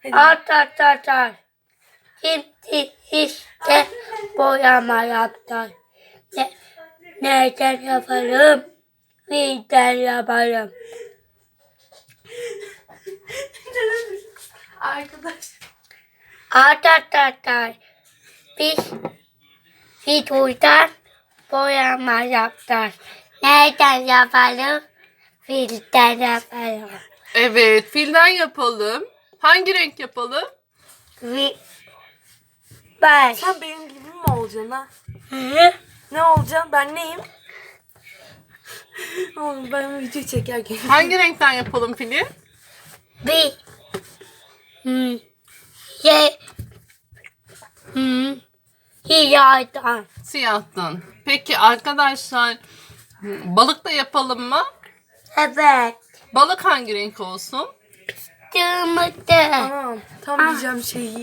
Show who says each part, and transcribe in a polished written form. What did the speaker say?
Speaker 1: Arkadaşlar şimdi işte boyama yaptık. Neden yapalım? Neden yapalım? Arkadaşlar biz videodan boyama yaptık. Neden yapalım? Filden yapalım.
Speaker 2: Evet, filden yapalım. Hangi renk yapalım?
Speaker 1: Ben.
Speaker 3: Sen benim gibi mi olacaksın ha?
Speaker 1: Hı?
Speaker 3: Ne olacaksın? Ben neyim? Oğlum ben video çekerken.
Speaker 2: Hangi renkten yapalım fili?
Speaker 1: Bir. Ye. Yaydan.
Speaker 2: Siyahtan. Peki arkadaşlar, balık da yapalım mı?
Speaker 1: Evet.
Speaker 2: Balık hangi renk olsun?
Speaker 1: Dımıdı.
Speaker 3: Tamam. Tam diyeceğim şeyi.